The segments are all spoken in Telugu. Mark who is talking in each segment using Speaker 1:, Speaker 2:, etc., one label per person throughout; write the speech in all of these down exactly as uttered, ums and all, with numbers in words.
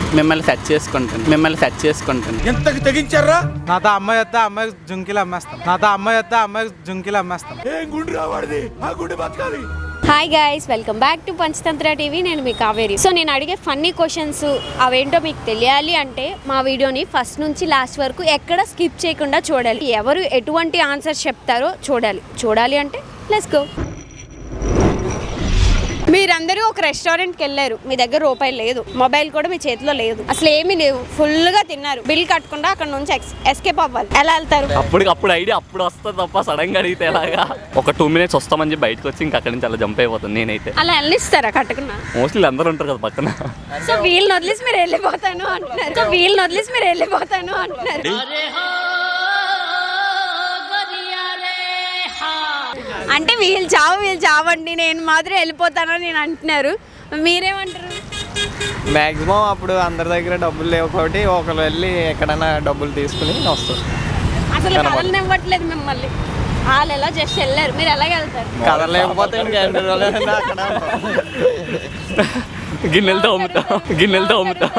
Speaker 1: మిమ్మల్ని సెట్ చేసుకుంటాను మిమ్మల్ని సెట్ చేసుకుంటాను
Speaker 2: ఎంతకి తెగించారా?
Speaker 3: నాతో అమ్మాయి వస్తే అమ్మాయి జుంకీలు అమ్మేస్తాం నాతో అమ్మాయి వస్తే అమ్మాయి జుంకీలు అమ్మేస్తాం.
Speaker 2: ఏం గుండు రావాడిది, ఆ గుండె బతకాలి.
Speaker 4: Hi guys, welcome back to Panchatantra TV. నేను మీ కావేరి. సో నేను అడిగే ఫన్నీ క్వశ్చన్స్ అవేంటో మీకు తెలియాలి అంటే మా వీడియోని ఫస్ట్ నుంచి లాస్ట్ వరకు ఎక్కడ స్కిప్ చేయకుండా చూడాలి. ఎవరు ఎటువంటి ఆన్సర్స్ చెప్తారో చూడాలి. చూడాలి అంటే లెట్స్ గో. మీరందరూ ఒక రెస్టారెంట్కి వెళ్ళారు, మీ దగ్గర రూపాయి లేదు, మొబైల్ కూడా మీ చేతిలో లేదు, అసలు ఏమీ లేవు, ఫుల్గా తిన్నారు, బిల్ కట్టకుండా అక్కడ నుంచి ఎస్కేప్ అవ్వాలి. ఎలా వెళ్తారు?
Speaker 5: అప్పుడు అప్పుడు ఐడియా అప్పుడు వస్తుంది తప్ప సడన్ గా అడిగితే ఎలాగా? ఒక టూ మినిట్స్ వస్తామని చెప్పి బయటకు వచ్చి ఇంకా అక్కడి నుంచి అలా జంప్ అయిపోతుంది నేనైతే.
Speaker 4: అలా వెళ్ళిస్తారా కట్టకుండా?
Speaker 5: మోస్ట్లీ అందరూ ఉంటారు కదా పక్కన.
Speaker 4: సో వీళ్ళని వదిలేసి మీరు వెళ్ళిపోతాను అంటున్నారు. సో వీళ్ళని వదిలేసి మీరు వెళ్ళిపోతాను అంటున్నారు. అంటే వీళ్ళు చావు వీళ్ళు చావండి, నేను మాత్రం వెళ్ళిపోతానని నేను అంటున్నారు. మీరేమంటారు?
Speaker 6: మ్యాక్సిమం అప్పుడు అందరి దగ్గర డబ్బులు లేవు కాబట్టి ఒకరు వెళ్ళి ఎక్కడైనా డబ్బులు తీసుకుని వస్తారు.
Speaker 4: అసలు కథలు ఇవ్వట్లేదు మిమ్మల్ని, వాళ్ళు ఎలా జస్ట్ వెళ్ళారు, మీరు ఎలాగ వెళ్తారు?
Speaker 6: కథ లేకపోతే అక్కడ
Speaker 5: గిన్నెలతో అమ్ముతాం గిన్నెలతో అమ్ముతాం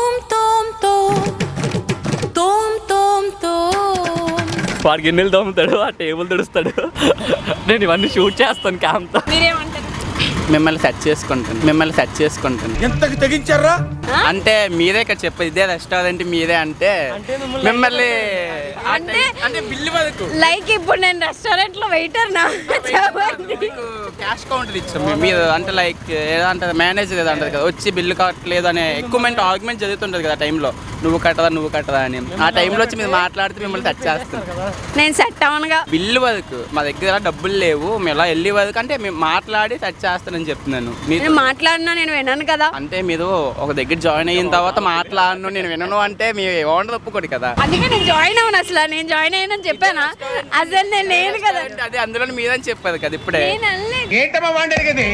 Speaker 5: వాడు గిన్నెలు తోముతాడు, ఆ టేబుల్ తుడుస్తాడు, నేను ఇవన్నీ షూట్ చేస్తాను క్యామ్తో.
Speaker 4: మీరేమంటారు?
Speaker 1: మిమ్మల్ని సెట్ చేసుకుంటాను మిమ్మల్ని సెట్ చేసుకుంటాను
Speaker 2: ఎంతకి తెగించారా?
Speaker 1: అంటే మీరే ఇక్కడ చెప్పేది ఇదే రెస్టారెంట్ మీరే అంటే మిమ్మల్ని
Speaker 4: అంటే
Speaker 1: అంటే బిల్లు వరకు
Speaker 4: లైక్ ఇప్పుడు నేను రెస్టారెంట్ లో వెయిటర్ నా
Speaker 1: క్యాష్ కౌంటర్ ఇచ్చాం మీరు అంటే లైక్ ఏదంటారు మేనేజర్ ఏదో అంటారు కదా, వచ్చి బిల్లు కట్టలేదు అనే ఎక్కువ మంది ఆర్గ్యుమెంట్ జరుగుతుంటుంది కదా టైంలో, నువ్వు కట్టదా నువ్వు కట్టదా అని. ఆ టైంలో వచ్చి మీరు మాట్లాడితే మిమ్మల్ని సెట్ చేస్తాను.
Speaker 4: నేను సెట్ అవనుగా.
Speaker 1: బిల్లు వరకు మా దగ్గర డబ్బులు లేవు, మేము ఎలా వెళ్ళి వరకు అంటే మేము మాట్లాడి సెట్ చేస్తానని చెప్తున్నాను. మీరు
Speaker 4: మాట్లాడినా నేను విన్నాను కదా.
Speaker 1: అంటే మీరు ఒక దగ్గర జాయిన్ అయిన తర్వాత మాట్లాడను నేను వినను అంటే మీ ఓనర్ ఒప్పుకోడు కదా.
Speaker 4: అందుకే నేను జాయిన్ అవ్వను. అసలు నేను జాయిన్ అయ్యానని చెప్పానా? అసలు నేను లేను కదా.
Speaker 1: అదే అందులో మీదని చెప్పారు కదా ఇప్పుడే.
Speaker 4: నేను అనలేదు.
Speaker 2: ఏంటమ్మా వాడేది?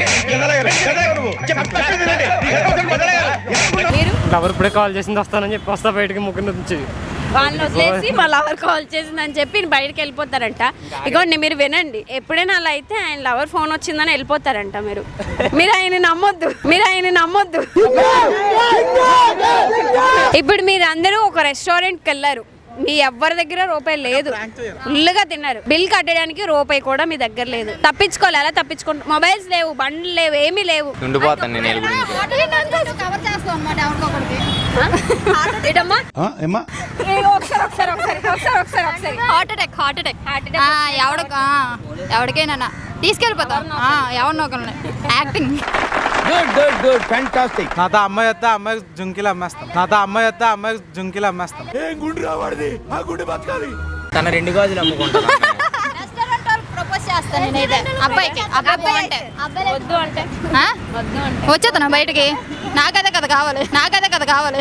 Speaker 4: మీరు
Speaker 3: ఎవరు ఇప్పుడే కాల్ చేసింది వస్తానని చెప్పి వస్తా బయటకి ముగ్గురు నుంచి
Speaker 4: వాళ్ళని వదిలేసి మా లవర్ కాల్ చేసిందని చెప్పి బయటకు వెళ్ళిపోతారంట. ఇగోండి మీరు వినండి, ఎప్పుడైనా అలా అయితే ఆయన లవర్ ఫోన్ వచ్చిందని వెళ్ళిపోతారంట. మీరు మీరు ఆయన నమ్మొద్దు, మీరు ఆయన నమ్మొద్దు. ఇప్పుడు మీరు అందరూ ఒక రెస్టారెంట్కి వెళ్ళారు, మీ ఎవరి దగ్గర రూపాయి లేదు, ఫుల్గా తిన్నారు, బిల్ కట్టడానికి రూపాయి కూడా మీ దగ్గర లేదు, తప్పించుకోవాలి. ఎలా తప్పించుకుంటారు? మొబైల్స్ లేవు, బండ్లు లేవు, ఏమీ లేవు.
Speaker 6: ఉండిపోతాను నేను
Speaker 7: హార్ట్ అటాక్ హార్ట్ అటాక్ ఎవడ ఎవరికైనా తీసుకెళ్ళిపోతాం ఎవరినో ఒకరిని యాక్టింగ్.
Speaker 3: నాతో అమ్మాయి వస్తే అమ్మాయి జుంకీలు అమ్మేస్తాం నాతో అమ్మాయి వస్తే అమ్మాయి జుంకీలు అమ్మేస్తాం.
Speaker 2: ఏం గుండు రావాడిది, ఆ గుండె బతకాలి.
Speaker 6: తన రెండు గాజులు అమ్ముకుంటాను.
Speaker 7: ప్రపోజ్ చేస్తాను నేనైతే అబ్బాయికి. అబ్బాయి
Speaker 4: వద్దు అంటే
Speaker 7: వచ్చేస్తాను బయటికి, నాకదే కదా కావాలి, నాకదే కదా కావాలి.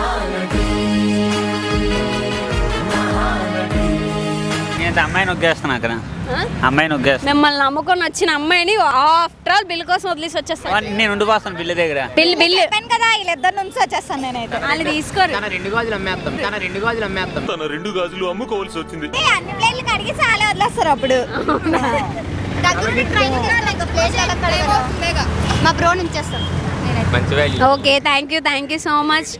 Speaker 8: నేను అమ్మాయిని నొగ్గేస్తాను అక్కడ, అమ్మాయిని నొగ్గేస్తాను.
Speaker 4: మిమ్మల్ని నమ్ముకొని వచ్చిన అమ్మాయిని ఆఫ్టర్ ఆల్ బిల్ కోసం వదిలేసి వచ్చేస్తాను.
Speaker 8: నేను ఉండిపోస్తాను బిల్లు దగ్గర.
Speaker 4: బిల్ బిల్
Speaker 7: కదా వీళ్ళిద్దరి నుంచి వచ్చేస్తాను నేనైతే.
Speaker 4: వాళ్ళు తీసుకోరు.
Speaker 6: తన రెండు గాజులు అమ్మేస్తాం తన రెండు గాజులు అమ్మేస్తాం
Speaker 2: తన రెండు గాజులు అమ్ముకోవాల్సి వచ్చింది.
Speaker 7: అన్ని ప్లేట్లు కడిగి చాలా వదిలేస్తారు అప్పుడు. మా బ్రో నుంచి చేస్తాను.
Speaker 5: మంచి value.
Speaker 4: Okay, thank you thank you so much.